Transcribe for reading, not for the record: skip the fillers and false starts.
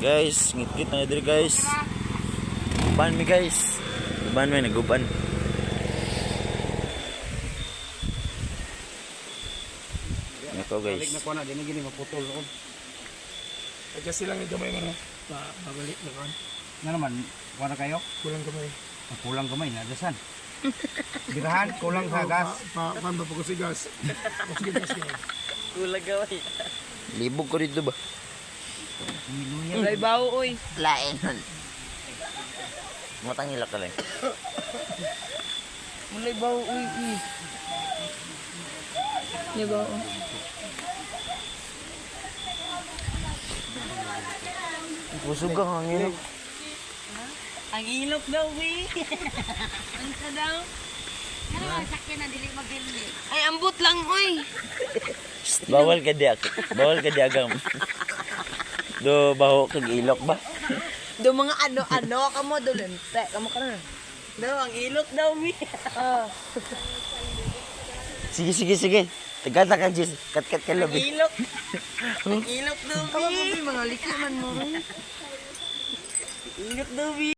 Guys, ngit-ngit na diri guys. Guban mi guys. Guban mi naguban. Nako guys. Balik na ko na dinhi gini maputol ko. Ay kasi lang gamay man babalik na kan. Nga naman, kuha kayo? Kulang gamay. Kulang kamay na dasan. Birahan, kulang sa gas. Pan ba pagkasi gas? Sige gas ka. Kulang gawin. Libog ko dito ba? Mulay bawo, oy. Lain. Matang hilak ka lang. Mulay bawo, oy. Mulay bawo. Pusog ka ang hilak. Ang ilok daw, we. Ang sa daw. Ano, sakyan na dili mabili. Ay, ambot lang, oy. Bawal ka diak. Bawal ka diagam. Do baho kag ilok ba? Do mga ano-ano ka mo, do lente. Kamo ka na. Do, ang ilok daw, we. Sige sige sige. Tagata ka Jis. Kat-kat ka Ang labi. ilok. Ang ilok daw, we. Mga likiman mo. Ilok daw, we.